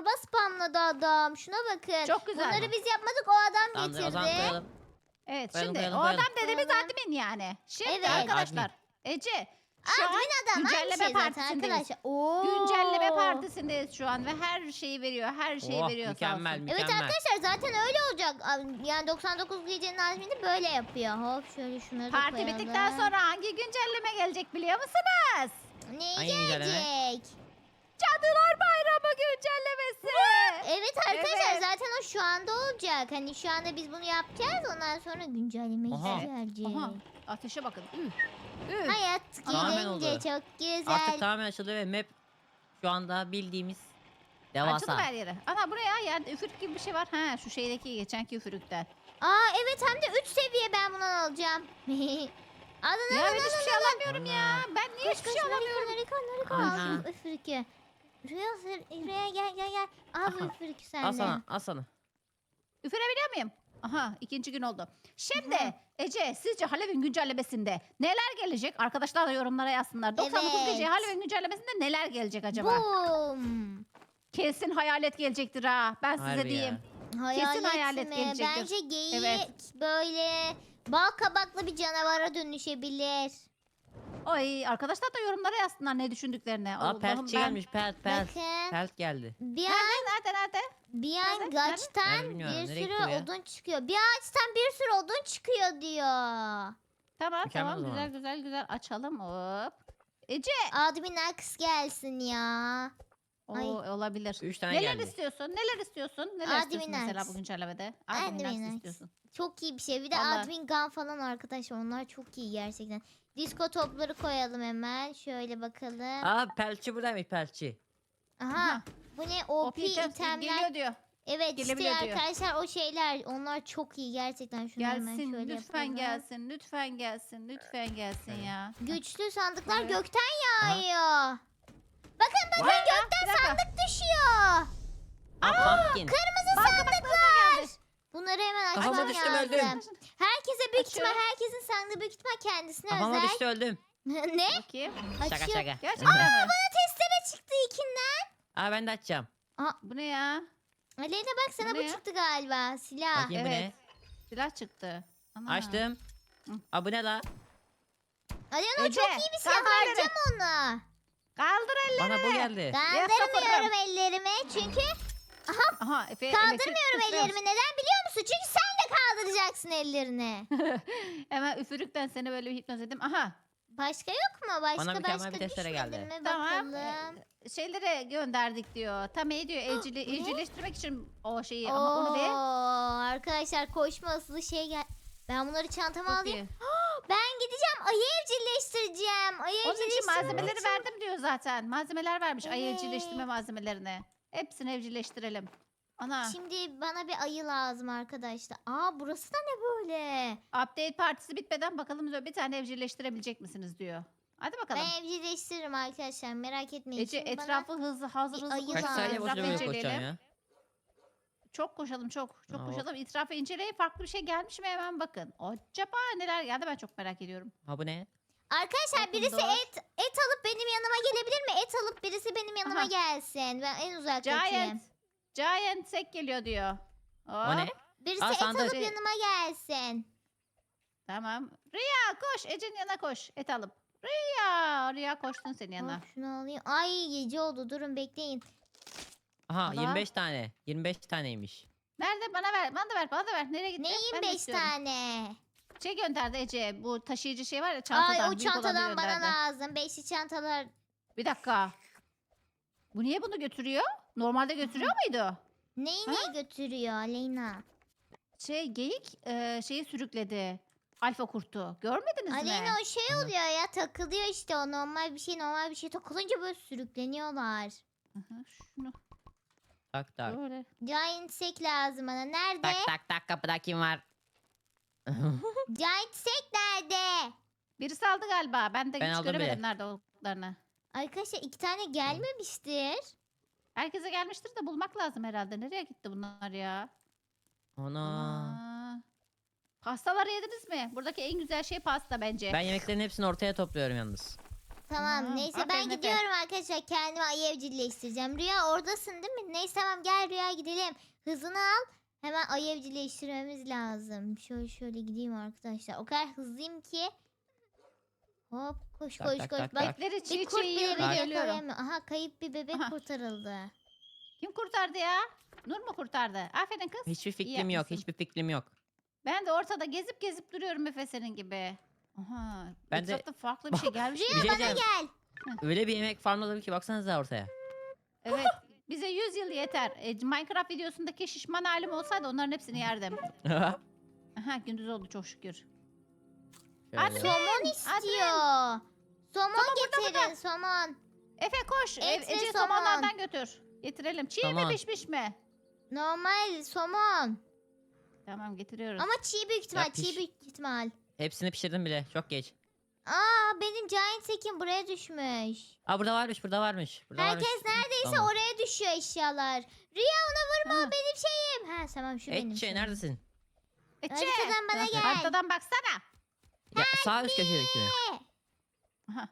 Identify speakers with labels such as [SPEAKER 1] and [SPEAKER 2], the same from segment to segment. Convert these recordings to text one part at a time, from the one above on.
[SPEAKER 1] torba spamladı adam. Şuna bakın.
[SPEAKER 2] Çok güzel.
[SPEAKER 1] Bunları biz yapmadık, o adam
[SPEAKER 3] Tamamdır, o zaman
[SPEAKER 1] getirdi.
[SPEAKER 3] koyalım.
[SPEAKER 2] Evet
[SPEAKER 3] Koyalım,
[SPEAKER 2] şimdi
[SPEAKER 3] koyalım,
[SPEAKER 2] o
[SPEAKER 3] koyalım.
[SPEAKER 2] adam dediğimiz
[SPEAKER 1] Koyalım.
[SPEAKER 2] admin yani. Şimdi
[SPEAKER 1] Evet.
[SPEAKER 2] arkadaşlar Ece şu an
[SPEAKER 1] Admin adam aynı
[SPEAKER 2] güncelleme
[SPEAKER 1] şey zaten
[SPEAKER 2] partisindeyiz.
[SPEAKER 1] arkadaşlar. Oo.
[SPEAKER 2] Güncelleme partisindeyiz şu an ve her şeyi veriyor. Her şeyi
[SPEAKER 3] Oh,
[SPEAKER 2] veriyor sağ
[SPEAKER 3] mükemmel,
[SPEAKER 2] olsun.
[SPEAKER 1] Evet
[SPEAKER 3] mükemmel.
[SPEAKER 1] arkadaşlar, zaten öyle olacak. Yani 99 gecenin admini böyle yapıyor. Hop şöyle şunları da
[SPEAKER 2] Parti
[SPEAKER 1] koyalım.
[SPEAKER 2] bittikten sonra hangi güncelleme gelecek biliyor musunuz?
[SPEAKER 1] Ne
[SPEAKER 3] Hangi güncelleme?
[SPEAKER 1] gelecek?
[SPEAKER 2] Cadılar Bayramı güncellemesi.
[SPEAKER 1] Evet arkadaşlar,
[SPEAKER 2] Evet.
[SPEAKER 1] zaten o şu anda olacak. Hani şu anda biz bunu yapacağız. Ondan sonra güncelleme
[SPEAKER 3] Aha.
[SPEAKER 1] gelecek.
[SPEAKER 2] Aha, ateşe bakın. Üf. Üf.
[SPEAKER 1] Hayat
[SPEAKER 3] Tamamen
[SPEAKER 1] gidince
[SPEAKER 3] oldu.
[SPEAKER 1] çok güzel.
[SPEAKER 3] Artık tamamen açıldı ve map şu anda bildiğimiz
[SPEAKER 2] Açıldı
[SPEAKER 3] devasa.
[SPEAKER 2] her yere. Ana buraya yani üfürük gibi bir şey var. Ha şu şeydeki geçenki üfürükten.
[SPEAKER 1] Aa evet, hem de 3 seviye ben bundan alacağım. Alın
[SPEAKER 2] Ya
[SPEAKER 1] alın
[SPEAKER 2] ben hiçbir şey alamıyorum ya. Ben niye hiçbir şey alamıyorum?
[SPEAKER 1] Nariko
[SPEAKER 3] Aha.
[SPEAKER 1] al şu üfürükü. Rüya gel. Al bu
[SPEAKER 3] Aha.
[SPEAKER 1] üfürükü
[SPEAKER 3] Al
[SPEAKER 1] sende.
[SPEAKER 3] sana, al sana.
[SPEAKER 2] Üfürebiliyor muyum? Aha ikinci gün oldu. Şimdi
[SPEAKER 1] Aha.
[SPEAKER 2] Ece sizce Halloween güncellemesinde neler gelecek? Arkadaşlar da yorumlara yazsınlar. 99 gece
[SPEAKER 1] Evet.
[SPEAKER 2] Halloween güncellemesinde neler gelecek acaba?
[SPEAKER 1] Boom.
[SPEAKER 2] Kesin hayalet gelecektir ha. Ben size
[SPEAKER 3] Harbi
[SPEAKER 2] diyeyim.
[SPEAKER 3] ya.
[SPEAKER 1] Hayalet
[SPEAKER 2] hayalet
[SPEAKER 1] mi?
[SPEAKER 2] gelecektir.
[SPEAKER 1] Bence geyik
[SPEAKER 2] Evet.
[SPEAKER 1] böyle bal kabaklı bir canavara dönüşebilir.
[SPEAKER 2] Ay arkadaşlar da yorumlara yazsınlar ne düşündüklerini.
[SPEAKER 3] Aa,
[SPEAKER 2] Allah'ım
[SPEAKER 3] peltçi
[SPEAKER 2] ben-
[SPEAKER 3] gelmiş, pelt.
[SPEAKER 1] Bakın
[SPEAKER 3] Pelt geldi.
[SPEAKER 1] bir an
[SPEAKER 2] Nerede?
[SPEAKER 1] bir
[SPEAKER 2] Nerede?
[SPEAKER 1] an gaçtan
[SPEAKER 3] Nerede bilmiyorum,
[SPEAKER 1] bir
[SPEAKER 3] nereye
[SPEAKER 1] sürü
[SPEAKER 3] gitti bu ya?
[SPEAKER 1] odun çıkıyor. Bir ağaçtan bir sürü odun çıkıyor diyor.
[SPEAKER 2] Tamam
[SPEAKER 3] Mükemmel o
[SPEAKER 2] tamam
[SPEAKER 3] zaman.
[SPEAKER 2] güzel açalım hop. Ece.
[SPEAKER 1] Admin aks gelsin ya.
[SPEAKER 2] O
[SPEAKER 1] Ay.
[SPEAKER 2] olabilir.
[SPEAKER 3] 3 tane
[SPEAKER 2] Neler
[SPEAKER 3] geldi.
[SPEAKER 2] istiyorsun? Neler istiyorsun? Neler istiyorsun
[SPEAKER 1] Admin
[SPEAKER 2] mesela
[SPEAKER 1] Axe.
[SPEAKER 2] bu güncellemede?
[SPEAKER 1] Admin
[SPEAKER 2] Admin Axe
[SPEAKER 1] Axe.
[SPEAKER 2] istiyorsun.
[SPEAKER 1] Çok iyi bir şey. Bir de
[SPEAKER 2] Vallahi.
[SPEAKER 1] admin gun falan arkadaşlar. Onlar çok iyi gerçekten. Disco topları koyalım hemen. Şöyle bakalım.
[SPEAKER 3] Aa, peltçi buradaymış, peltçi.
[SPEAKER 1] Aha. Bu ne? OP itemler.
[SPEAKER 2] geliyor diyor.
[SPEAKER 1] Evet işte
[SPEAKER 2] gelebiliyor diyor.
[SPEAKER 1] arkadaşlar, o şeyler onlar çok iyi gerçekten. Şunu hemen
[SPEAKER 2] Gelsin
[SPEAKER 1] şöyle
[SPEAKER 2] lütfen
[SPEAKER 1] yapalım.
[SPEAKER 2] gelsin lütfen gelsin lütfen gelsin ya.
[SPEAKER 1] Güçlü sandıklar
[SPEAKER 2] Evet.
[SPEAKER 1] gökten
[SPEAKER 3] Aha.
[SPEAKER 1] yağıyor. Bakın
[SPEAKER 2] Vay ya,
[SPEAKER 1] gökten
[SPEAKER 2] bir dakika.
[SPEAKER 1] sandık düşüyor.
[SPEAKER 3] Aa, pumpkin.
[SPEAKER 1] Kırmızı
[SPEAKER 2] Bak,
[SPEAKER 1] sandıklar. Bunları hemen
[SPEAKER 3] Kafama
[SPEAKER 1] açmam
[SPEAKER 3] düştüm,
[SPEAKER 1] lazım.
[SPEAKER 3] öldüm.
[SPEAKER 1] Herkese büyük ihtimal,
[SPEAKER 2] Açıyorum.
[SPEAKER 1] herkesin sandığı büyük ihtimal kendisine
[SPEAKER 3] Kafama
[SPEAKER 1] özel.
[SPEAKER 3] düştü, öldüm.
[SPEAKER 1] Ne?
[SPEAKER 2] Bakayım.
[SPEAKER 3] Şaka
[SPEAKER 1] Açıyor.
[SPEAKER 3] şaka.
[SPEAKER 2] Gerçekten mi?
[SPEAKER 1] Bana testere çıktı ikinden.
[SPEAKER 3] Aa, ben de açacağım.
[SPEAKER 2] Bu ne ya?
[SPEAKER 1] Aleyna bak, sana
[SPEAKER 2] Bu
[SPEAKER 1] bu
[SPEAKER 2] ne ya?
[SPEAKER 1] çıktı galiba. Silah.
[SPEAKER 3] Bakayım bu
[SPEAKER 2] Evet.
[SPEAKER 3] ne?
[SPEAKER 2] Silah çıktı. Ana.
[SPEAKER 3] Açtım.
[SPEAKER 2] Hı.
[SPEAKER 3] Aa, bu ne la?
[SPEAKER 1] Aleyna o
[SPEAKER 2] Ece,
[SPEAKER 1] çok iyi bir silah.
[SPEAKER 2] kaldır elleri.
[SPEAKER 1] Harcama onu.
[SPEAKER 2] Kaldır elleri.
[SPEAKER 3] Bana bu geldi.
[SPEAKER 1] Kaldırmıyorum ellerimi çünkü
[SPEAKER 2] Aha Efe
[SPEAKER 1] kaldırmıyorum
[SPEAKER 2] elektrik
[SPEAKER 1] ellerimi. Neden biliyor musun? Çünkü sen de kaldıracaksın ellerini.
[SPEAKER 2] Hemen üfürükten seni böyle bir hipnoz edeyim. Aha.
[SPEAKER 1] Başka yok mu? Başka
[SPEAKER 3] mükemmel bir testere
[SPEAKER 1] düşmedi
[SPEAKER 3] geldi.
[SPEAKER 1] mi?
[SPEAKER 2] Tamam.
[SPEAKER 1] Bakalım.
[SPEAKER 2] Şeylere gönderdik diyor. Tam iyi diyor.
[SPEAKER 1] bu ne?
[SPEAKER 2] Evcilleştirmek için o şeyi. Ama onu ver.
[SPEAKER 1] Arkadaşlar koşma asılı şey gel. Ben bunları çantama
[SPEAKER 2] Çok
[SPEAKER 1] alayım.
[SPEAKER 2] iyi.
[SPEAKER 1] Ben gideceğim ayı evcilleştireceğim. Ayı
[SPEAKER 2] Onun için
[SPEAKER 1] evcilleştirmek
[SPEAKER 2] malzemeleri
[SPEAKER 1] için-
[SPEAKER 2] verdim diyor zaten. Malzemeler vermiş. Ayı
[SPEAKER 1] Evet.
[SPEAKER 2] evcilleştirme malzemelerini. Hepsini evcilleştirelim. Ana.
[SPEAKER 1] Şimdi bana bir ayı lazım arkadaşlar. Aa, burası da ne böyle?
[SPEAKER 2] Update partisi bitmeden bakalım diyor. Bir tane evcilleştirebilecek misiniz diyor. Hadi bakalım.
[SPEAKER 1] Ben evcilleştiririm arkadaşlar, merak etmeyin.
[SPEAKER 2] Ece
[SPEAKER 1] Şimdi bana-
[SPEAKER 2] etrafı hazır
[SPEAKER 1] bir ayı
[SPEAKER 2] hızlı
[SPEAKER 3] Kaç
[SPEAKER 1] lazım.
[SPEAKER 3] saniye
[SPEAKER 2] etrafı
[SPEAKER 3] boşuna böyle koşacağım
[SPEAKER 2] inceleyelim.
[SPEAKER 3] ya?
[SPEAKER 2] Çok koşalım çok
[SPEAKER 3] Aa,
[SPEAKER 2] koşalım. İtirafı inceleyin. Farklı bir şey gelmiş mi hemen bakın. Acaba neler geldi ben çok merak ediyorum.
[SPEAKER 3] Ha, bu ne?
[SPEAKER 1] Arkadaşlar
[SPEAKER 2] Bakın
[SPEAKER 1] birisi
[SPEAKER 2] doğru.
[SPEAKER 1] et alıp benim yanıma gelebilir mi? Et alıp birisi benim yanıma
[SPEAKER 2] Aha.
[SPEAKER 1] gelsin. Ben en uzaktakiyim.
[SPEAKER 2] Giant sek geliyor diyor.
[SPEAKER 3] O ne?
[SPEAKER 1] Birisi
[SPEAKER 3] Aa,
[SPEAKER 1] et
[SPEAKER 3] sandık.
[SPEAKER 1] alıp yanıma gelsin.
[SPEAKER 2] Tamam. Rüya koş. Ece'nin yanına koş. Et alıp. Rüya koştun senin yanına.
[SPEAKER 1] Hop, şunu alayım. Ay gece oldu, durun bekleyin.
[SPEAKER 3] Aha,
[SPEAKER 2] Allah.
[SPEAKER 3] 25 tane. 25 taneymiş.
[SPEAKER 2] Nerede? Bana ver. Bana da ver. Nereye gitti?
[SPEAKER 1] Neyim
[SPEAKER 2] Ben de
[SPEAKER 1] 5
[SPEAKER 2] istiyorum.
[SPEAKER 1] tane?
[SPEAKER 2] Şey gönderdi Ece. Bu taşıyıcı şey var ya çantadan.
[SPEAKER 1] Ay o
[SPEAKER 2] büyük olanı
[SPEAKER 1] çantadan bana
[SPEAKER 2] gönderdi.
[SPEAKER 1] lazım. Beşli çantalar.
[SPEAKER 2] Bir dakika. Bu niye bunu götürüyor? Normalde götürüyor muydu?
[SPEAKER 1] Neyi
[SPEAKER 2] Ha?
[SPEAKER 1] neyi götürüyor Aleyna?
[SPEAKER 2] Geyik şeyi sürükledi. Alfa kurtu. Görmediniz mi?
[SPEAKER 1] Aleyna o şey
[SPEAKER 3] Ana.
[SPEAKER 1] oluyor ya, takılıyor işte, o normal bir şey takılınca böyle sürükleniyorlar.
[SPEAKER 2] Aha, şunu
[SPEAKER 3] Tak tak.
[SPEAKER 2] böyle.
[SPEAKER 1] Giant sek lazım bana. Nerede?
[SPEAKER 3] Tak tak tak, kapıda kim var?
[SPEAKER 1] Giant sek nerede?
[SPEAKER 2] Birisi aldı galiba. Ben de
[SPEAKER 3] Ben
[SPEAKER 2] hiç
[SPEAKER 3] aldım
[SPEAKER 2] göremedim
[SPEAKER 3] bile.
[SPEAKER 2] nerede olduklarını.
[SPEAKER 1] Arkadaşlar 2 tane gelmemiştir.
[SPEAKER 2] Herkese gelmiştir de bulmak lazım herhalde. Nereye gitti bunlar ya?
[SPEAKER 3] Ana.
[SPEAKER 2] Aa. Pastaları yediniz mi? Buradaki en güzel şey pasta bence.
[SPEAKER 3] Ben yemeklerin hepsini ortaya topluyorum yalnız.
[SPEAKER 1] Tamam
[SPEAKER 2] Aa,
[SPEAKER 1] neyse ben
[SPEAKER 2] aferin Efe.
[SPEAKER 1] gidiyorum arkadaşlar. Kendimi ayı evcilleştireceğim. Rüya oradasın değil mi? Neyse tamam gel Rüya gidelim. Hızını al. Hemen ayı evcilleştirmemiz lazım. Şöyle gideyim arkadaşlar. O kadar hızlıyım ki. Hop koş
[SPEAKER 3] Tak,
[SPEAKER 1] koş
[SPEAKER 3] tak,
[SPEAKER 1] koş.
[SPEAKER 3] tak,
[SPEAKER 1] Bak
[SPEAKER 3] tak.
[SPEAKER 2] Etleri
[SPEAKER 1] bir
[SPEAKER 2] çiğ
[SPEAKER 1] kurt
[SPEAKER 2] çiğ
[SPEAKER 1] bile
[SPEAKER 2] yiyor
[SPEAKER 1] beni
[SPEAKER 2] geliyorum.
[SPEAKER 1] yakalayamıyor. Aha kayıp bir bebek
[SPEAKER 2] Aha.
[SPEAKER 1] kurtarıldı.
[SPEAKER 2] Kim kurtardı ya? Nur mu kurtardı? Aferin kız.
[SPEAKER 3] Hiçbir
[SPEAKER 2] İyi
[SPEAKER 3] fikrim yok.
[SPEAKER 2] yapmışsın.
[SPEAKER 3] Hiçbir fikrim yok.
[SPEAKER 2] Ben de ortada gezip duruyorum Efe senin gibi. Aha.
[SPEAKER 3] Ben de-
[SPEAKER 2] etrafta farklı bir şey gelmiş.
[SPEAKER 1] Rüya
[SPEAKER 3] Bir şey
[SPEAKER 1] bana
[SPEAKER 3] diyeceğim.
[SPEAKER 1] gel.
[SPEAKER 3] Öyle bir yemek farmladım ki baksanıza ortaya.
[SPEAKER 2] Evet. Bize 100 yıl yeter. Minecraft videosundaki şişman halim olsaydı onların hepsini yerdim. Aha gündüz oldu çok şükür.
[SPEAKER 3] Şöyle.
[SPEAKER 1] Somon istiyor. Somon getirin somon.
[SPEAKER 2] Efe koş.
[SPEAKER 1] Et ve
[SPEAKER 2] Ece
[SPEAKER 1] somon.
[SPEAKER 2] somonlardan götür. Getirelim. Çiğ mi
[SPEAKER 3] Somon.
[SPEAKER 2] pişmiş mi?
[SPEAKER 1] Normal somon.
[SPEAKER 2] Tamam getiriyoruz.
[SPEAKER 1] Ama çiğ büyük ihtimal.
[SPEAKER 3] Ya piş.
[SPEAKER 1] Çiğ büyük ihtimal.
[SPEAKER 3] Hepsini pişirdim bile. Çok geç.
[SPEAKER 1] Benim giant sekim buraya düşmüş.
[SPEAKER 3] Aa burada varmış. Burada varmış. Burada
[SPEAKER 1] Herkes
[SPEAKER 3] varmış.
[SPEAKER 1] neredeyse
[SPEAKER 3] Tamam.
[SPEAKER 1] oraya düşüyor eşyalar. Rüya ona vurma
[SPEAKER 2] Ha.
[SPEAKER 1] o benim şeyim. Ha tamam şu benim
[SPEAKER 3] Etçe
[SPEAKER 1] şeyim.
[SPEAKER 3] neredesin?
[SPEAKER 2] Ece.
[SPEAKER 1] Haritadan bana gel.
[SPEAKER 2] Haritadan baksana.
[SPEAKER 3] Ya, sağ üst köşedeki mi?
[SPEAKER 2] Aha.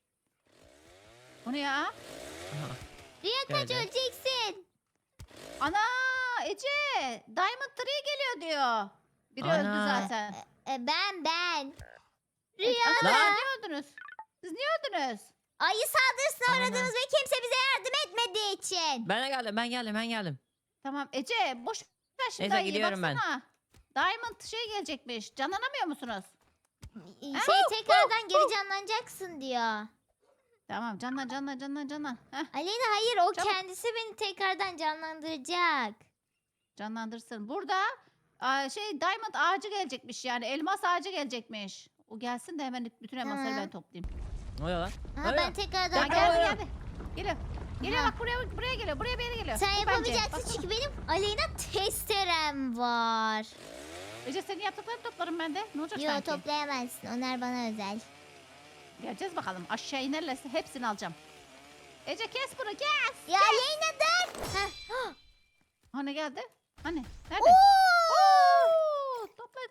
[SPEAKER 2] O ne ya?
[SPEAKER 3] Aha.
[SPEAKER 1] Rüya kaç
[SPEAKER 3] Şöyle.
[SPEAKER 1] öleceksin.
[SPEAKER 2] Ana Ece. Diamond Tree geliyor diyor. Biri öldü
[SPEAKER 3] Ana.
[SPEAKER 2] zaten.
[SPEAKER 1] Ben.
[SPEAKER 2] Ece,
[SPEAKER 1] Rüya
[SPEAKER 2] siz
[SPEAKER 3] Lan.
[SPEAKER 2] niye öldünüz? Siz niye öldünüz?
[SPEAKER 1] ayı saldırısına
[SPEAKER 3] Ana.
[SPEAKER 1] uğradınız ve kimse bize yardım etmediği için.
[SPEAKER 3] Ben geldim.
[SPEAKER 2] Tamam Ece boş ver şimdi
[SPEAKER 3] Neyse,
[SPEAKER 2] ayıyı,
[SPEAKER 3] gidiyorum ben.
[SPEAKER 2] baksana. Diamond şey gelecekmiş. Canlanamıyor musunuz?
[SPEAKER 1] Tekrardan geri canlanacaksın diyor.
[SPEAKER 2] Tamam canlan. Heh,
[SPEAKER 1] Aleyna hayır o
[SPEAKER 2] Çabuk.
[SPEAKER 1] kendisi beni tekrardan canlandıracak.
[SPEAKER 2] canlandırsın. Burada Diamond ağacı gelecekmiş yani elmas ağacı gelecekmiş. O gelsin de hemen bütün elmasları
[SPEAKER 1] Tamam.
[SPEAKER 2] ben toplayayım.
[SPEAKER 3] Ne oluyor lan?
[SPEAKER 1] Aha
[SPEAKER 3] Ne
[SPEAKER 1] ben
[SPEAKER 3] oluyor?
[SPEAKER 1] tekrardan
[SPEAKER 2] Ya geldi
[SPEAKER 3] Aa.
[SPEAKER 2] geldi. Geliyor. Geliyor
[SPEAKER 1] Aha.
[SPEAKER 2] bak buraya geliyor. Buraya bir yere geliyor.
[SPEAKER 1] Sen
[SPEAKER 2] Bu bence.
[SPEAKER 1] yapamayacaksın
[SPEAKER 2] Baksana.
[SPEAKER 1] çünkü benim Aleyna testerem var.
[SPEAKER 2] Ece senin yaptıklarını toplarım ben de. Ne olacak
[SPEAKER 1] Yo
[SPEAKER 2] sanki?
[SPEAKER 1] toplayamazsın onlar bana özel.
[SPEAKER 2] Geleceğiz bakalım. Aşağı inerlerse hepsini alacağım. Ece kes bunu kes.
[SPEAKER 1] Ya Aleyna dur. Heh.
[SPEAKER 2] Hani geldi? Hani? Nerede?
[SPEAKER 1] Oo!
[SPEAKER 2] Oo, topla.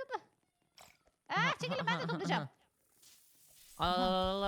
[SPEAKER 2] Çekilin ben de toplayacağım. Kaç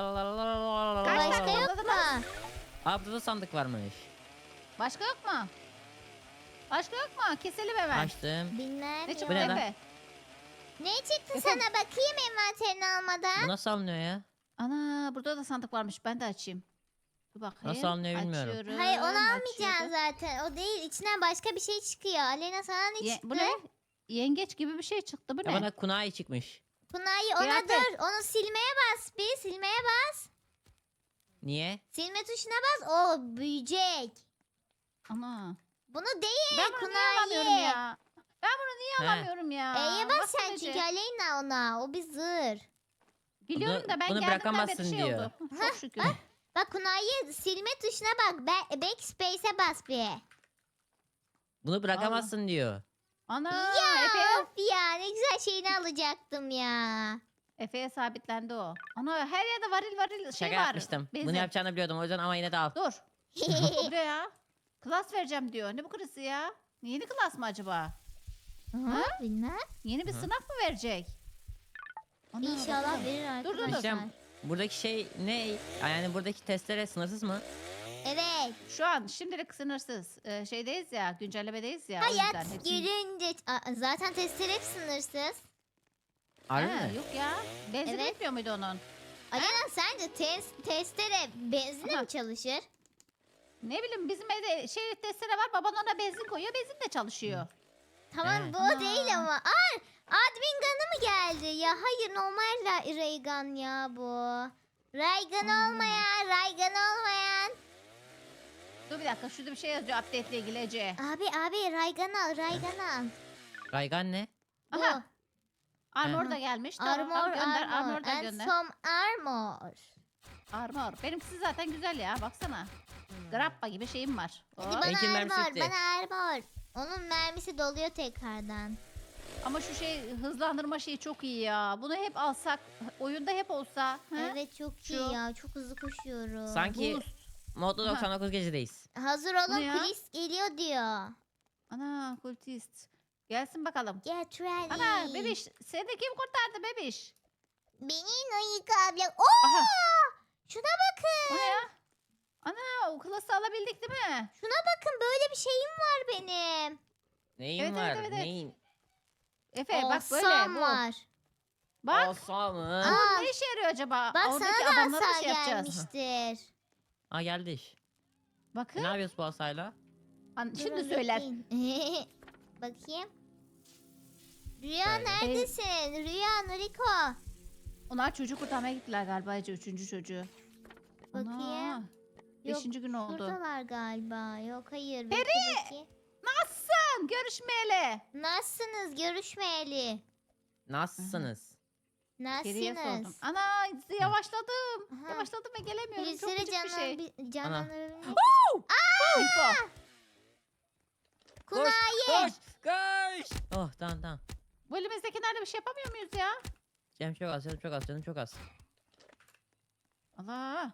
[SPEAKER 1] Başka
[SPEAKER 2] tane
[SPEAKER 1] yok
[SPEAKER 2] topladınız?
[SPEAKER 1] mu?
[SPEAKER 3] Aa burada da sandık varmış.
[SPEAKER 2] Başka yok mu? Başka yok mu? Keselim hemen.
[SPEAKER 3] Açtım.
[SPEAKER 1] Bilmem
[SPEAKER 2] Ne
[SPEAKER 1] yok.
[SPEAKER 2] çıktı
[SPEAKER 3] ne lan?
[SPEAKER 2] Efe?
[SPEAKER 1] Ne çıktı
[SPEAKER 2] Efendim?
[SPEAKER 1] sana bakayım envanterini almadan.
[SPEAKER 3] Bu nasıl alınıyor ya?
[SPEAKER 2] Ana burada da sandık varmış. Ben de açayım. Dur bakayım.
[SPEAKER 3] Nasıl alınıyor bilmiyorum.
[SPEAKER 2] Açıyorum,
[SPEAKER 1] Hayır onu almayacaksın
[SPEAKER 2] açıyorum.
[SPEAKER 1] zaten. O değil. İçinden başka bir şey çıkıyor. Aleyna sana ne çıktı?
[SPEAKER 2] Bu ne? Yengeç gibi bir şey çıktı. Bu
[SPEAKER 3] Ya
[SPEAKER 2] ne?
[SPEAKER 3] bana kunai çıkmış.
[SPEAKER 1] Pınar'ı ona
[SPEAKER 2] Kıyafet.
[SPEAKER 1] dur. Onu silmeye bas bir. Silmeye bas.
[SPEAKER 3] Niye?
[SPEAKER 1] Silme tuşuna bas. O büyüyecek.
[SPEAKER 2] Ana.
[SPEAKER 1] Bunu değil.
[SPEAKER 2] Ben bunu niye
[SPEAKER 1] Kunay'ı.
[SPEAKER 2] alamıyorum ya? Ben bunu niye
[SPEAKER 3] He.
[SPEAKER 2] alamıyorum ya?
[SPEAKER 1] E'ye bas
[SPEAKER 2] Baksana
[SPEAKER 1] sen
[SPEAKER 2] Ece.
[SPEAKER 1] çünkü Aleyna ona. O bir zır.
[SPEAKER 2] Biliyorum da ben
[SPEAKER 3] bunu
[SPEAKER 2] geldiğimden beri
[SPEAKER 3] bırakamazsın
[SPEAKER 2] şey
[SPEAKER 3] diyor.
[SPEAKER 2] oldu. Çok şükür.
[SPEAKER 1] Bak Kunay'ı silme tuşuna bak. Backspace'e bas bir.
[SPEAKER 3] Bunu bırakamazsın diyor.
[SPEAKER 2] Ana
[SPEAKER 1] Ya
[SPEAKER 2] Efe'ye,
[SPEAKER 1] of ya ne güzel şeyini alacaktım ya.
[SPEAKER 2] Efe'ye sabitlendi o. Ana her yerde varil şey
[SPEAKER 3] Şaka
[SPEAKER 2] var.
[SPEAKER 3] yapmıştım.
[SPEAKER 2] benzin.
[SPEAKER 3] Bunu yapacağını biliyordum o yüzden ama yine de al.
[SPEAKER 2] Dur. Buraya ya. Klas vereceğim diyor. Ne bu klası ya? Yeni klas mı acaba?
[SPEAKER 1] Ha? Bilmem.
[SPEAKER 2] Yeni bir
[SPEAKER 3] Hı.
[SPEAKER 2] sınav mı verecek? Ana,
[SPEAKER 1] İnşallah
[SPEAKER 2] bakalım.
[SPEAKER 1] verir
[SPEAKER 2] Dur, dur, dur.
[SPEAKER 1] arkadaşlar.
[SPEAKER 3] İşte buradaki şey ne? Yani buradaki testere sınırsız mı?
[SPEAKER 1] Evet.
[SPEAKER 2] Şu an şimdilik sınırsız. Şeydeyiz ya, güncellemedeyiz ya. o
[SPEAKER 1] Hayat
[SPEAKER 2] yüzden hepsini-
[SPEAKER 1] görünce... Zaten testler hep sınırsız.
[SPEAKER 3] Harbi
[SPEAKER 2] Ha,
[SPEAKER 3] mi?
[SPEAKER 2] Yok ya. Benzin
[SPEAKER 1] Evet.
[SPEAKER 2] bitmiyor muydu onun?
[SPEAKER 1] Alena sence testere benzinle
[SPEAKER 2] Aha.
[SPEAKER 1] mi çalışır?
[SPEAKER 2] Ne bileyim bizim evde testere var. Baban ona benzin koyuyor. Benzin de çalışıyor.
[SPEAKER 1] Tamam
[SPEAKER 3] Evet.
[SPEAKER 1] bu
[SPEAKER 2] Aa.
[SPEAKER 1] değil ama. Admin Gun'ı mı geldi? Ya hayır normal Raygun ya bu. Raygun olmayan, Raygun olmayan.
[SPEAKER 2] Dur bir dakika. Şurada bir şey yazıyor update ile ilgili Ece.
[SPEAKER 1] Abi Raygun al, Raygun al.
[SPEAKER 3] Raygan ne?
[SPEAKER 1] Bu.
[SPEAKER 2] Aha. Armor
[SPEAKER 3] Aha.
[SPEAKER 2] da gelmiş. Tamam,
[SPEAKER 1] Armor,
[SPEAKER 2] gönder.
[SPEAKER 1] armor,
[SPEAKER 2] Armor da
[SPEAKER 1] and
[SPEAKER 2] gönder.
[SPEAKER 1] some armor.
[SPEAKER 2] Armor. Benimkisi zaten güzel ya. Baksana. Grappa gibi şeyim var.
[SPEAKER 1] Hadi
[SPEAKER 2] Hop.
[SPEAKER 1] bana
[SPEAKER 3] Benimki mermisi
[SPEAKER 1] armor,
[SPEAKER 3] bitti.
[SPEAKER 1] bana armor. Onun mermisi doluyor tekrardan.
[SPEAKER 2] Ama şu hızlandırma şeyi çok iyi ya. Bunu hep alsak, oyunda hep olsa. Ha?
[SPEAKER 1] Evet çok
[SPEAKER 2] Şu.
[SPEAKER 1] iyi ya, çok hızlı koşuyorum.
[SPEAKER 3] Sanki
[SPEAKER 2] Boost.
[SPEAKER 3] modda
[SPEAKER 2] Aha.
[SPEAKER 3] 99 gecedeyiz.
[SPEAKER 1] Hazır
[SPEAKER 2] Bu
[SPEAKER 1] olun
[SPEAKER 2] ne ya?
[SPEAKER 1] polis geliyor diyor.
[SPEAKER 2] Ana kultist. Gelsin bakalım.
[SPEAKER 1] Get ready.
[SPEAKER 2] Ana bebiş. Seni de kim kurtardı bebiş?
[SPEAKER 1] Benim ayık ablam. Oo!
[SPEAKER 2] Aha.
[SPEAKER 1] Şuna bakın.
[SPEAKER 2] O ne ya? Ana o klası alabildik değil mi?
[SPEAKER 1] Şuna bakın, böyle bir şeyim var benim.
[SPEAKER 3] Neyin
[SPEAKER 2] Evet,
[SPEAKER 3] var?
[SPEAKER 2] evet, evet.
[SPEAKER 3] Neyin?
[SPEAKER 2] Efe bak böyle
[SPEAKER 1] Awesome
[SPEAKER 2] bu.
[SPEAKER 1] var.
[SPEAKER 2] Bak
[SPEAKER 3] Asa mı?
[SPEAKER 1] Aa,
[SPEAKER 2] ne işe yarıyor acaba?
[SPEAKER 1] bak
[SPEAKER 2] Oradaki
[SPEAKER 1] sana da
[SPEAKER 2] adamları
[SPEAKER 1] asa
[SPEAKER 2] şey yapacağız.
[SPEAKER 1] gelmiştir.
[SPEAKER 3] Aa geldi iş.
[SPEAKER 2] Bakın.
[SPEAKER 3] Ne yapıyoruz bu asayla?
[SPEAKER 1] Durun,
[SPEAKER 2] Şimdi söyler.
[SPEAKER 1] bekleyin. Bakayım. Rüya
[SPEAKER 3] Böyle.
[SPEAKER 1] neredesin? Rüya, Nuriko.
[SPEAKER 2] Onlar çocuk kurtarmaya gittiler galiba Ece. 3. çocuğu.
[SPEAKER 1] Bakayım.
[SPEAKER 2] Ana,
[SPEAKER 1] Yok,
[SPEAKER 2] 5. gün oldu.
[SPEAKER 1] Şuradalar galiba. Yok, hayır.
[SPEAKER 2] Peri!
[SPEAKER 1] Bekle bakayım.
[SPEAKER 2] Nasılsın? Görüşmeyeli.
[SPEAKER 1] Nasılsınız? Görüşmeyeli.
[SPEAKER 3] Nasılsınız?
[SPEAKER 2] Geriye sordum.
[SPEAKER 1] Nasılsınız?
[SPEAKER 2] Ana yavaşladım.
[SPEAKER 1] Aha.
[SPEAKER 2] Yavaşladım ve gelemiyorum. Çok
[SPEAKER 1] Birisine
[SPEAKER 2] küçük bir şey.
[SPEAKER 1] canlandırabilir.
[SPEAKER 2] Info.
[SPEAKER 1] Kunayi.
[SPEAKER 3] Koş! Koş! Oh tamam tamam.
[SPEAKER 2] Bu elimizdekilerle bir şey yapamıyor muyuz ya?
[SPEAKER 3] Canım çok az, canım çok az, canım çok az.
[SPEAKER 2] Allah.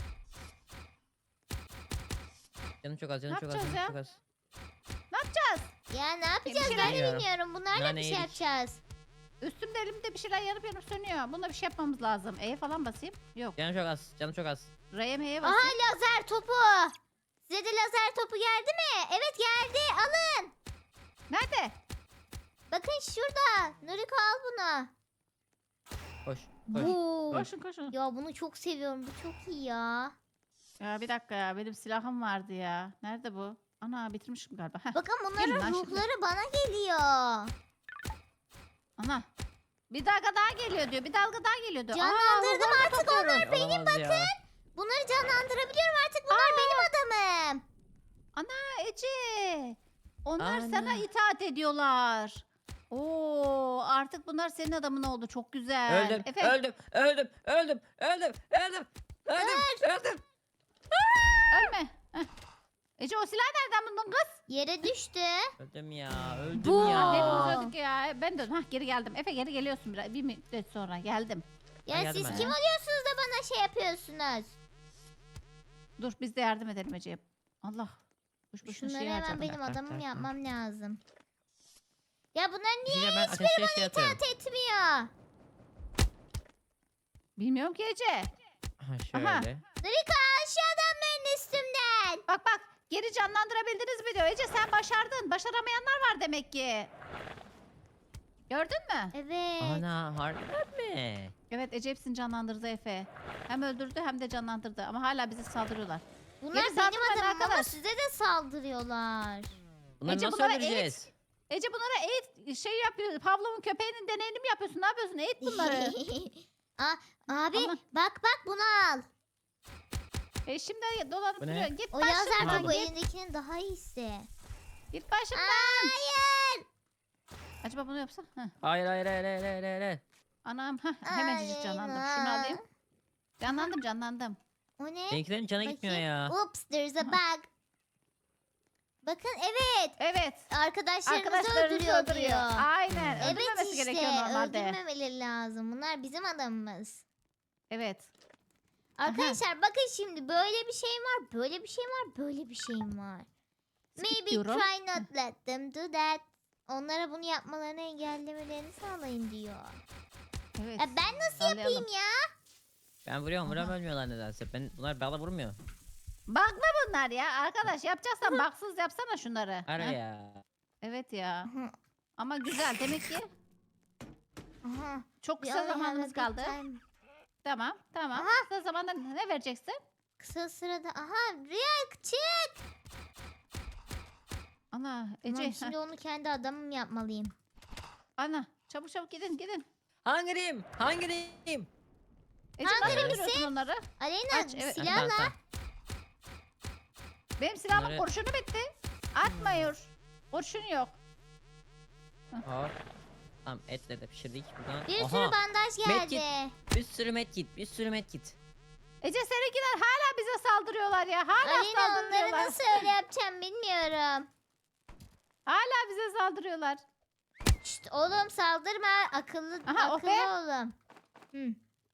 [SPEAKER 3] Canım çok az, canım çok az,
[SPEAKER 2] yapacağız
[SPEAKER 3] canım
[SPEAKER 2] ya?
[SPEAKER 3] çok az.
[SPEAKER 2] Ne yapacağız?
[SPEAKER 1] Ya ne yapacağız?
[SPEAKER 2] şey
[SPEAKER 1] Ben de
[SPEAKER 3] bilmiyorum.
[SPEAKER 1] bilmiyorum. Bunlarla
[SPEAKER 3] Nane
[SPEAKER 1] bir şey
[SPEAKER 3] yedik.
[SPEAKER 1] yapacağız.
[SPEAKER 2] Üstümde elimde bir şeyler yanıp yanıp sönüyor. Buna bir şey yapmamız lazım. E'ye falan basayım. Yok.
[SPEAKER 3] Canım çok az, canım çok az.
[SPEAKER 2] R'ye M'ye
[SPEAKER 1] Aha,
[SPEAKER 2] basayım.
[SPEAKER 1] lazer topu. Size de lazer topu geldi mi? Evet, geldi. Alın.
[SPEAKER 2] Nerede?
[SPEAKER 1] Bakın şurada. Nuriko, al bunu.
[SPEAKER 3] Koş, koş.
[SPEAKER 1] Bu.
[SPEAKER 2] Koşun koşun.
[SPEAKER 1] Ya bunu çok seviyorum. Bu çok iyi ya.
[SPEAKER 2] Ya bir dakika ya. Benim silahım vardı ya. Nerede bu? Ana bitirmişim galiba. Heh.
[SPEAKER 1] Bakın
[SPEAKER 2] Gelin
[SPEAKER 1] bunların
[SPEAKER 2] lan şimdi.
[SPEAKER 1] ruhları bana geliyor.
[SPEAKER 2] Ana. Bir dalga daha geliyor diyor. Bir dalga daha geliyor diyor.
[SPEAKER 1] Canlandırdım
[SPEAKER 2] ruhlarını
[SPEAKER 1] artık
[SPEAKER 2] topluyoruz.
[SPEAKER 1] onlar. Benim
[SPEAKER 3] Olamaz ya.
[SPEAKER 1] Bunları canlandırabiliyorum artık. Bunlar benim adamım.
[SPEAKER 2] Ana Ece. Onlar
[SPEAKER 3] Ana.
[SPEAKER 2] sana itaat ediyorlar. Oo, artık bunlar senin adamın oldu. Çok güzel.
[SPEAKER 3] Öldüm,
[SPEAKER 2] Efe,
[SPEAKER 3] öldüm, öldüm, öldüm, öldüm, öldüm, öldüm, öldüm.
[SPEAKER 2] ölme. Heh. Ece o silah nereden buldun kız?
[SPEAKER 1] Yere düştü.
[SPEAKER 3] Öldüm ya, öldüm
[SPEAKER 1] Bu.
[SPEAKER 3] ya.
[SPEAKER 2] Hepimiz öldük ya. Ben de hah geri geldim. Efe geri geliyorsun biraz. Bir müddet sonra geldim.
[SPEAKER 1] Ya
[SPEAKER 3] geldim
[SPEAKER 1] siz
[SPEAKER 3] ben
[SPEAKER 1] kim
[SPEAKER 3] ya.
[SPEAKER 1] oluyorsunuz da bana şey yapıyorsunuz?
[SPEAKER 2] Dur biz de yardım edelim Ece'ye. Allah. Boş boşuna
[SPEAKER 1] Şunları
[SPEAKER 2] şey
[SPEAKER 1] hemen
[SPEAKER 2] harcadım.
[SPEAKER 1] benim
[SPEAKER 3] Tak, tak,
[SPEAKER 1] adamım
[SPEAKER 3] tak,
[SPEAKER 1] yapmam lazım. Ya bunlar niye
[SPEAKER 3] Şimdi ben ateşe şey atıyorum.
[SPEAKER 1] itaat etmiyor?
[SPEAKER 2] Bilmiyorum ki Ece.
[SPEAKER 3] Ha,
[SPEAKER 2] Aha.
[SPEAKER 3] şöyle.
[SPEAKER 1] Nuriko, al şu adamların üstümden.
[SPEAKER 2] Bak bak. Geri canlandırabildiniz mi diyor. Ece sen başardın. Başaramayanlar var demek ki. Gördün mü?
[SPEAKER 1] Evet.
[SPEAKER 3] Ana harbiden mi?
[SPEAKER 2] Evet Ece hepsini canlandırdı Efe. Hem öldürdü hem de canlandırdı. Ama hala bize saldırıyorlar.
[SPEAKER 1] Bunlar
[SPEAKER 2] Geri
[SPEAKER 1] benim
[SPEAKER 2] saldırmayın
[SPEAKER 1] adamım ama
[SPEAKER 2] arkadaş.
[SPEAKER 1] size de saldırıyorlar.
[SPEAKER 3] Bunları
[SPEAKER 2] Ece,
[SPEAKER 3] nasıl
[SPEAKER 2] bunlara
[SPEAKER 3] öldüreceğiz?
[SPEAKER 2] Ece bunlara eğit şey yapıyor. Pavlov'un köpeğinin deneyini mi yapıyorsun? Ne yapıyorsun? Eğit bunları.
[SPEAKER 1] Abi
[SPEAKER 2] Ama-
[SPEAKER 1] bak bunu al.
[SPEAKER 2] Şimdi dolanıp
[SPEAKER 3] Bu ne?
[SPEAKER 2] duruyor. Git
[SPEAKER 1] O lazer
[SPEAKER 2] başımdan.
[SPEAKER 1] topu
[SPEAKER 3] Aldım.
[SPEAKER 1] elindekinin daha iyisi.
[SPEAKER 2] Git başımdan.
[SPEAKER 1] Hayır.
[SPEAKER 2] Acaba bunu yapsam? Heh.
[SPEAKER 3] Hayır, hayır, hayır, hayır, hayır, hayır, hayır.
[SPEAKER 2] Anam hemen canlandım. Şunu alayım. Canlandım.
[SPEAKER 1] O ne?
[SPEAKER 3] Benimkilerin canı gitmiyor
[SPEAKER 1] Bakayım.
[SPEAKER 3] ya.
[SPEAKER 1] Oops, there's a bug. Bakın, evet.
[SPEAKER 2] Evet.
[SPEAKER 1] Arkadaşlarınızı
[SPEAKER 2] Arkadaşlarınızı
[SPEAKER 1] öldürüyor
[SPEAKER 2] öldürüyor.
[SPEAKER 1] diyor.
[SPEAKER 2] Aynen.
[SPEAKER 1] Evet
[SPEAKER 2] Öldürmemesi
[SPEAKER 1] işte,
[SPEAKER 2] gerekiyor normalde.
[SPEAKER 1] öldürmemeleri lazım. Bunlar bizim adamımız.
[SPEAKER 2] Evet.
[SPEAKER 1] Arkadaşlar bakın şimdi, böyle bir şeyim var, böyle bir şeyim var, böyle bir şeyim var.
[SPEAKER 2] Skip
[SPEAKER 1] Maybe
[SPEAKER 2] diyorum.
[SPEAKER 1] try not let them do that. Onlara bunu yapmalarını engellemelerini sağlayın diyor.
[SPEAKER 2] Evet.
[SPEAKER 1] Ya ben nasıl
[SPEAKER 2] Sağlayalım.
[SPEAKER 1] yapayım ya?
[SPEAKER 3] Ben vuruyorum,
[SPEAKER 2] Aha.
[SPEAKER 3] vuruyorum ölmüyorlar nedense. Bunlar bana vurmuyor.
[SPEAKER 2] Bug'lı bunlar ya. Arkadaş yapacaksan baksız yapsana şunları.
[SPEAKER 3] Ara
[SPEAKER 2] Heh.
[SPEAKER 3] ya.
[SPEAKER 2] Evet ya.
[SPEAKER 1] Aha,
[SPEAKER 2] Ama güzel. Demek ki
[SPEAKER 1] aha.
[SPEAKER 2] çok
[SPEAKER 1] We
[SPEAKER 2] kısa
[SPEAKER 1] only have a
[SPEAKER 2] zamanımız
[SPEAKER 1] bit
[SPEAKER 2] kaldı.
[SPEAKER 1] time.
[SPEAKER 2] Tamam.
[SPEAKER 1] Aha.
[SPEAKER 2] Kısa zamanda ne vereceksin?
[SPEAKER 1] Kısa sırada, aha, Rüya çık.
[SPEAKER 2] Ana
[SPEAKER 1] Tamam,
[SPEAKER 2] Ece.
[SPEAKER 1] şimdi onu kendi adamım yapmalıyım.
[SPEAKER 2] Ana çabuk gidin.
[SPEAKER 3] Hangiriyim? Hangiriyim?
[SPEAKER 2] Ece
[SPEAKER 1] Hangisi?
[SPEAKER 2] nasıl öldürüyorsun onları?
[SPEAKER 1] Aleyna,
[SPEAKER 2] Aç, evet.
[SPEAKER 1] silahla.
[SPEAKER 3] Tamam,
[SPEAKER 2] Benim silahımın
[SPEAKER 3] Bunları-
[SPEAKER 2] kurşunu bitti. Atmıyor. Kurşun yok.
[SPEAKER 3] tamam. Hop. Tamam etle de pişirdik buradan.
[SPEAKER 1] Bir
[SPEAKER 3] Aha,
[SPEAKER 1] sürü bandaj
[SPEAKER 3] medkit.
[SPEAKER 1] geldi.
[SPEAKER 3] bir sürü medkit, bir sürü medkit.
[SPEAKER 2] Ece seninkiler hala bize saldırıyorlar ya. Hala
[SPEAKER 1] Aleyna, onları
[SPEAKER 2] saldırıyorlar.
[SPEAKER 1] nasıl öyle yapacağım bilmiyorum.
[SPEAKER 2] Hala bize saldırıyorlar.
[SPEAKER 1] Şşt, oğlum saldırma. Akıllı
[SPEAKER 2] Aha,
[SPEAKER 1] akıllı
[SPEAKER 2] Ofe.
[SPEAKER 1] oğlum. Hı.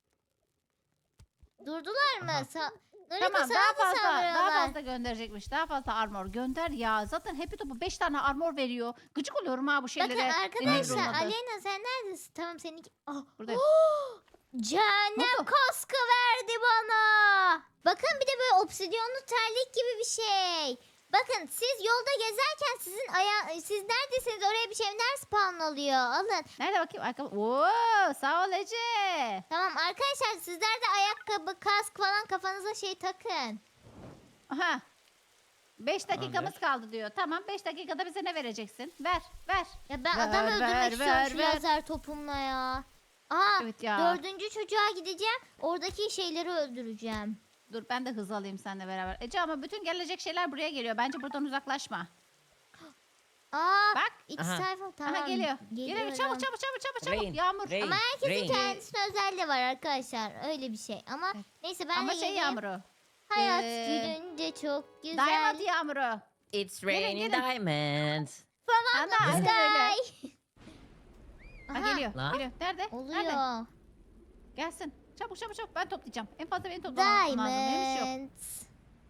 [SPEAKER 1] Durdular mı?
[SPEAKER 3] Aha.
[SPEAKER 1] Nuriko,
[SPEAKER 2] Tamam
[SPEAKER 1] sana
[SPEAKER 2] daha
[SPEAKER 1] mı
[SPEAKER 2] fazla
[SPEAKER 1] saldırıyorlar?
[SPEAKER 2] gönderecekmiş. Daha fazla armor gönder ya. Zaten Happy Top'u 5 tane armor veriyor. Gıcık oluyorum ha bu şeylere.
[SPEAKER 1] Bakın arkadaşlar,
[SPEAKER 2] Deniyorum adı.
[SPEAKER 1] Aleyna sen neredesin? Tamam, seninki. Ah.
[SPEAKER 2] Buradayım.
[SPEAKER 1] Cehennem
[SPEAKER 2] Ne oldu?
[SPEAKER 1] kaskı verdi bana. Bakın bir de böyle obsidiyonlu terlik gibi bir şey. Bakın siz yolda gezerken siz neredesiniz oraya bir şeyler spawn oluyor. Alın.
[SPEAKER 2] Nerede bakayım? Oo, sağ ol Ece.
[SPEAKER 1] Tamam arkadaşlar sizler de ayakkabı, kask falan kafanıza şey takın.
[SPEAKER 2] Aha. 5 dakikamız
[SPEAKER 3] Tamamdır.
[SPEAKER 2] kaldı diyor. Tamam 5 dakikada bize ne vereceksin? Ver ver.
[SPEAKER 1] Ya ben
[SPEAKER 2] Ver,
[SPEAKER 1] adam
[SPEAKER 2] ver,
[SPEAKER 1] öldürmek istiyorum
[SPEAKER 2] ver,
[SPEAKER 1] şu
[SPEAKER 2] ver.
[SPEAKER 1] lazer topumla ya. Aa
[SPEAKER 2] Evet ya.
[SPEAKER 1] 4. çocuğa gideceğim. Oradaki şeyleri öldüreceğim.
[SPEAKER 2] Dur ben de hız alayım seninle beraber. Ece ama bütün gelecek şeyler buraya geliyor. Bence buradan uzaklaşma.
[SPEAKER 1] Aa
[SPEAKER 2] Bak.
[SPEAKER 1] iç
[SPEAKER 3] Aha.
[SPEAKER 1] sayfa tamam.
[SPEAKER 2] Aha geliyor. Geliyor
[SPEAKER 1] Geliyorum.
[SPEAKER 2] çabuk çabuk çabuk çabuk çabuk.
[SPEAKER 3] Rain,
[SPEAKER 2] Yağmur.
[SPEAKER 3] rain,
[SPEAKER 1] Ama herkesin
[SPEAKER 3] rain.
[SPEAKER 1] kendisine özel de var arkadaşlar. Öyle bir şey. Ama
[SPEAKER 2] Evet.
[SPEAKER 1] neyse ben
[SPEAKER 2] Ama
[SPEAKER 1] de
[SPEAKER 2] şey
[SPEAKER 1] geleyim.
[SPEAKER 2] yağmuru.
[SPEAKER 1] Hayat
[SPEAKER 2] Ee,
[SPEAKER 1] gülünce çok güzel.
[SPEAKER 2] Diamond yağmuru.
[SPEAKER 3] It's
[SPEAKER 2] Gelin,
[SPEAKER 3] raining
[SPEAKER 2] gelin.
[SPEAKER 3] diamonds.
[SPEAKER 2] Ana aynen öyle.
[SPEAKER 1] Sky.
[SPEAKER 2] Ha,
[SPEAKER 1] Aha,
[SPEAKER 2] geliyor.
[SPEAKER 3] Lan.
[SPEAKER 2] Geliyor. Nerede? Nerede?
[SPEAKER 1] oluyor.
[SPEAKER 2] Gelsin. Çabuk çabuk çabuk. Ben toplayacağım. En fazla beni toplamam lazım. Benim iş yok.
[SPEAKER 1] Diamonds.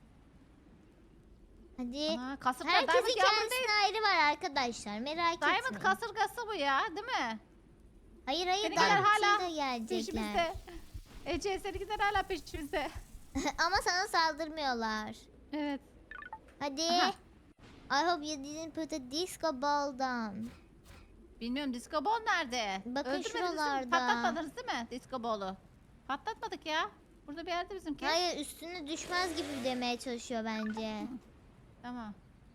[SPEAKER 1] Hadi.
[SPEAKER 2] Ana, kasırga
[SPEAKER 1] Herkesin
[SPEAKER 2] Diamond yağmuru
[SPEAKER 1] kendisine
[SPEAKER 2] değil.
[SPEAKER 1] ayrı var arkadaşlar. Merak
[SPEAKER 2] Diamond
[SPEAKER 1] etmeyin.
[SPEAKER 2] kasırgası bu ya. Değil mi?
[SPEAKER 1] Hayır hayır
[SPEAKER 2] Seninkiler
[SPEAKER 1] Diamond
[SPEAKER 2] hala
[SPEAKER 1] da gelecekler.
[SPEAKER 2] Peşimizde. Ece seninkiler hala peşimizde.
[SPEAKER 1] Ama sana saldırmıyorlar.
[SPEAKER 2] Evet.
[SPEAKER 1] Hadi.
[SPEAKER 2] Aha.
[SPEAKER 1] I hope you didn't put a disco ball down.
[SPEAKER 2] Bilmiyorum disco ball nerede?
[SPEAKER 1] Bakın
[SPEAKER 2] Öldürmediniz değil mi?
[SPEAKER 1] şuralarda.
[SPEAKER 2] Patlatmadınız değil mi disco ball'u? Patlatmadık ya. Burada bir yerde bizimki.
[SPEAKER 1] Hayır üstüne düşmez gibi demeye çalışıyor bence.
[SPEAKER 2] Tamam.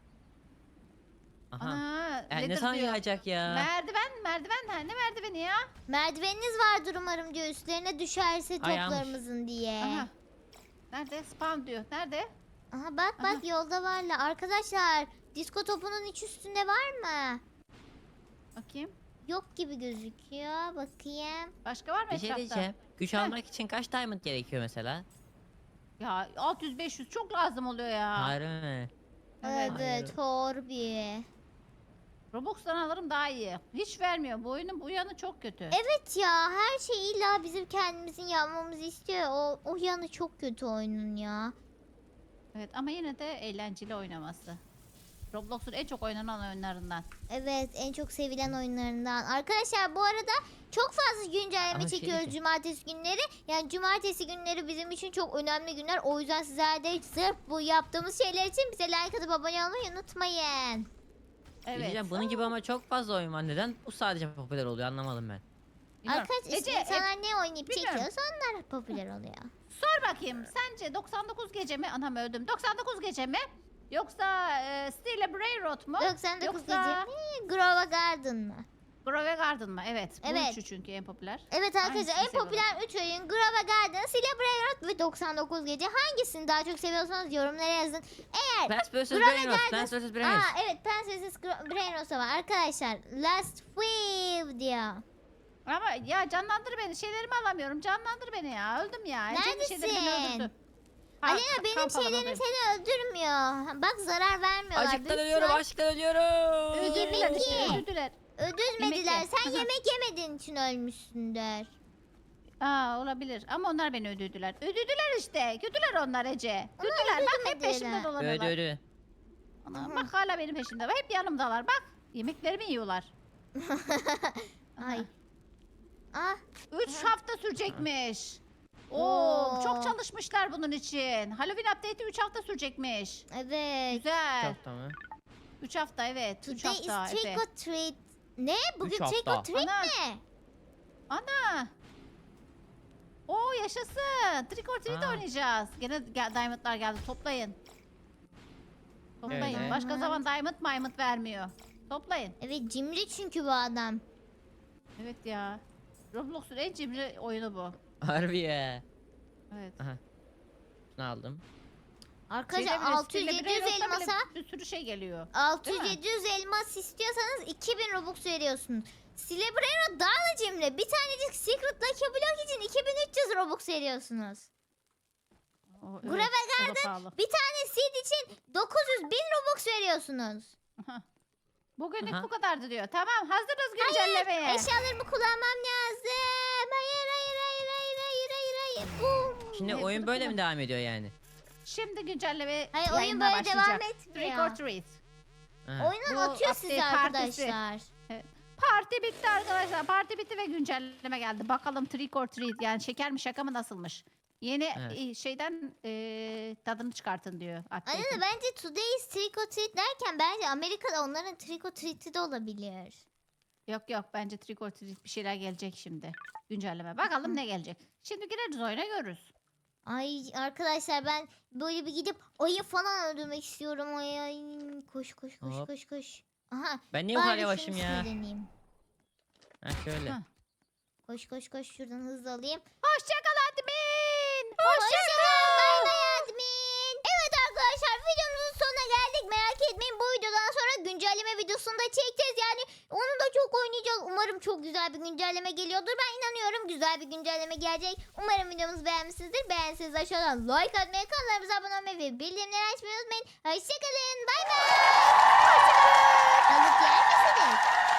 [SPEAKER 3] Aha.
[SPEAKER 2] Ana,
[SPEAKER 3] Ne
[SPEAKER 2] ladder
[SPEAKER 3] zaman
[SPEAKER 2] diyor.
[SPEAKER 3] yağacak ya?
[SPEAKER 2] Merdiven ha, ne merdiveni ya?
[SPEAKER 1] Merdiveniniz vardır umarım diyor üstlerine düşerse
[SPEAKER 3] Ayağmış.
[SPEAKER 1] toplarımızın diye.
[SPEAKER 2] Aha. Nerede? Spawn diyor. Nerede?
[SPEAKER 1] Aha bak bak yolda varlar. Arkadaşlar disko topunun iç üstünde var mı?
[SPEAKER 2] Bakayım.
[SPEAKER 1] Yok gibi gözüküyor. Bakayım.
[SPEAKER 2] Başka var mı
[SPEAKER 3] Bir şey
[SPEAKER 2] etrafta?
[SPEAKER 3] diyeceğim. Güç almak için kaç diamond gerekiyor mesela?
[SPEAKER 2] Ya 600-500 çok lazım oluyor ya.
[SPEAKER 3] Harbi mi?
[SPEAKER 2] Evet.
[SPEAKER 1] Evet Horbi.
[SPEAKER 2] Robux'tan alırım daha iyi. Hiç vermiyor. Bu oyunun bu yanı çok kötü.
[SPEAKER 1] Evet ya her şey illa bizim kendimizin yapmamızı istiyor. O yanı çok kötü oyunun ya.
[SPEAKER 2] Evet ama yine de eğlenceli oynaması. Roblox'un en çok oynanan oyunlarından.
[SPEAKER 1] Evet en çok sevilen oyunlarından. Arkadaşlar bu arada çok fazla güncelleme
[SPEAKER 3] Ama şey
[SPEAKER 1] çekiyoruz
[SPEAKER 3] diyeceğim.
[SPEAKER 1] cumartesi günleri. Yani cumartesi günleri bizim için çok önemli günler. O yüzden sizler de sırf bu yaptığımız şeyler için bize like atıp abone olmayı unutmayın.
[SPEAKER 3] Bir şey
[SPEAKER 2] Evet.
[SPEAKER 3] diyeceğim, bunun gibi ama çok fazla oyun var. Neden bu sadece popüler oluyor anlamadım ben.
[SPEAKER 2] Bilmiyorum.
[SPEAKER 1] Arkadaşlar
[SPEAKER 2] Ece,
[SPEAKER 1] insanlar ne oynayıp
[SPEAKER 2] bilmiyorum.
[SPEAKER 1] çekiyorsa onlar popüler oluyor.
[SPEAKER 2] sor bakayım. Sence 99 gece mi? Anam öldüm. 99 gece mi? Yoksa Steel Railroad mu?
[SPEAKER 1] 99
[SPEAKER 2] Yoksa
[SPEAKER 1] gece mi? Grova Garden mı?
[SPEAKER 2] Grove Garden mı? Evet. Bu
[SPEAKER 1] Evet.
[SPEAKER 2] üçü çünkü en popüler.
[SPEAKER 1] Evet arkadaşlar
[SPEAKER 2] Hangisini
[SPEAKER 1] en
[SPEAKER 2] seviyorum?
[SPEAKER 1] popüler 3 oyun Grova Garden, Celebrate ve 99 gece. Hangisini daha çok seviyorsanız yorumlara yazın. Eğer
[SPEAKER 3] Plants vs.
[SPEAKER 1] Grove
[SPEAKER 3] Brainrot.
[SPEAKER 1] Garden-
[SPEAKER 3] Plants vs. Brainrot.
[SPEAKER 1] evet Prenses Brainros'a var arkadaşlar. Last Wave diyor.
[SPEAKER 2] Ama ya canlandır beni. Şeylerimi alamıyorum. Canlandır beni ya. Öldüm ya. Ece'nin şeyleri beni
[SPEAKER 1] Neredesin?
[SPEAKER 2] öldürdü. Ha,
[SPEAKER 1] Alena benim
[SPEAKER 2] kamp
[SPEAKER 1] şeylerim
[SPEAKER 2] alanındayım.
[SPEAKER 1] seni öldürmüyor. Bak zarar vermiyorlar.
[SPEAKER 3] Açıktan
[SPEAKER 1] Büyük
[SPEAKER 3] ölüyorum,
[SPEAKER 1] ihtimal
[SPEAKER 3] açıktan ölüyorum.
[SPEAKER 2] Öldürdüler
[SPEAKER 1] Yemek
[SPEAKER 2] işte.
[SPEAKER 1] ye.
[SPEAKER 2] Öldürdüler.
[SPEAKER 1] Öldürmediler.
[SPEAKER 2] Yemek ye.
[SPEAKER 1] Sen
[SPEAKER 2] Aha.
[SPEAKER 1] yemek yemediğin için ölmüşsündür.
[SPEAKER 2] Aa olabilir. Ama onlar beni öldürdüler. Öldürdüler işte. Kötüler onlar Ece. Kötüler. Bak hep
[SPEAKER 1] öldürmediler.
[SPEAKER 2] peşimde dolanıyorlar.
[SPEAKER 3] Öldü.
[SPEAKER 2] Ana,
[SPEAKER 1] Aha.
[SPEAKER 2] bak hala benim peşimde. Hep yanımdalar. Bak. Yemeklerimi yiyorlar.
[SPEAKER 1] Ay. Ah
[SPEAKER 2] 3 hafta sürecekmiş. Oo,
[SPEAKER 1] Oo.
[SPEAKER 2] çok çalışmışlar bunun için. Halloween update'i 3 hafta sürecekmiş.
[SPEAKER 1] evet.
[SPEAKER 2] Güzel.
[SPEAKER 3] Çok tamam.
[SPEAKER 2] 3 hafta evet. 3
[SPEAKER 1] Today is
[SPEAKER 2] hafta
[SPEAKER 1] trick
[SPEAKER 2] Efe.
[SPEAKER 1] or treat. Ne? Bugün
[SPEAKER 3] Üç
[SPEAKER 1] trick
[SPEAKER 3] hafta.
[SPEAKER 1] or treat
[SPEAKER 2] Ana.
[SPEAKER 1] mi?
[SPEAKER 2] Ana. Oo yaşasın. Trick or treat
[SPEAKER 3] Aa.
[SPEAKER 2] oynayacağız. Gene diamondlar geldi. Toplayın. Toplayın.
[SPEAKER 3] Öyle.
[SPEAKER 2] Başka zaman diamond vermiyor. Toplayın.
[SPEAKER 1] Evet cimri çünkü bu adam.
[SPEAKER 2] Evet ya. Roblox'un en cimri oyunu bu.
[SPEAKER 3] Harbi ya.
[SPEAKER 2] Evet.
[SPEAKER 3] Ne aldım?
[SPEAKER 1] Arkadaşlar
[SPEAKER 2] Şeyde bile,
[SPEAKER 1] 600-700
[SPEAKER 2] Stille Brainrot'ta bile
[SPEAKER 1] elmasa
[SPEAKER 2] bir sürü şey geliyor.
[SPEAKER 1] 600-700 elmas istiyorsanız 2000 Robux veriyorsunuz. Celebrate daha da cimri. Bir tanecik Secret Lucky Block için 2300 Robux veriyorsunuz.
[SPEAKER 2] O,
[SPEAKER 1] Grave
[SPEAKER 2] o da pahalı.
[SPEAKER 1] Bir tane seed için 900 bin Robux veriyorsunuz.
[SPEAKER 2] Bugünlük
[SPEAKER 3] Aha.
[SPEAKER 2] bu kadardı diyor. Tamam hazırız güncellemeye.
[SPEAKER 1] Eşyalarımı kullanmam lazım. Hayır hayır hayır hayır hayır hayır hayır. Boom.
[SPEAKER 3] Şimdi
[SPEAKER 2] Evet,
[SPEAKER 3] oyun
[SPEAKER 2] bunu
[SPEAKER 3] böyle
[SPEAKER 2] kullan.
[SPEAKER 3] mi devam ediyor yani?
[SPEAKER 2] Şimdi güncelleme
[SPEAKER 1] Hayır oyun
[SPEAKER 2] yayınlar
[SPEAKER 1] böyle devam
[SPEAKER 2] başlayacak.
[SPEAKER 1] etmiyor.
[SPEAKER 2] Trick or treat.
[SPEAKER 3] Ha.
[SPEAKER 1] Oyundan
[SPEAKER 2] Bu
[SPEAKER 1] atıyor sizi
[SPEAKER 2] update partisi.
[SPEAKER 1] arkadaşlar.
[SPEAKER 2] Parti bitti arkadaşlar. Parti bitti ve güncelleme geldi. Bakalım trick or treat yani şeker mi şaka mı nasılmış? Yeni
[SPEAKER 3] Evet.
[SPEAKER 2] şeyden tadını çıkartın diyor.
[SPEAKER 1] Anne
[SPEAKER 2] update'in.
[SPEAKER 1] de bence today's trick or treat derken bence Amerika'da onların trick or treat'i de olabilir.
[SPEAKER 2] Yok yok bence trick or treat bir şeyler gelecek şimdi. Güncelleme. Bakalım ne gelecek. Şimdi gireriz oyuna görürüz.
[SPEAKER 1] Ay arkadaşlar ben böyle bir gidip ayı falan öldürmek istiyorum. Ay. Koş koş koş
[SPEAKER 3] Hop.
[SPEAKER 1] koş koş. Aha.
[SPEAKER 3] Ben niye bu kadar
[SPEAKER 1] bari
[SPEAKER 3] yavaşım
[SPEAKER 1] şunu
[SPEAKER 3] ya?
[SPEAKER 1] sinirleneyim.
[SPEAKER 3] Ha şöyle.
[SPEAKER 2] Ha.
[SPEAKER 1] Koş koş koş şuradan hızlı alayım.
[SPEAKER 2] Hoşçakal admin.
[SPEAKER 1] Hoşçakalın. Bay bay admin. Evet arkadaşlar videomuzun sonuna geldik. Merak etmeyin bu videodan sonra güncelleme videosunu da çekeceğiz. Yani onu da çok oynayacağız. Umarım çok güzel bir güncelleme geliyordur. Ben inanıyorum güzel bir güncelleme gelecek. Umarım videomuzu beğenmişsinizdir. Beğendiyseniz aşağıdan like atmayı, kanalımıza abone olmayı ve bildirimleri açmayı unutmayın. Hoşçakalın. Bay bay. Hoşçakalın. Balık yer misiniz?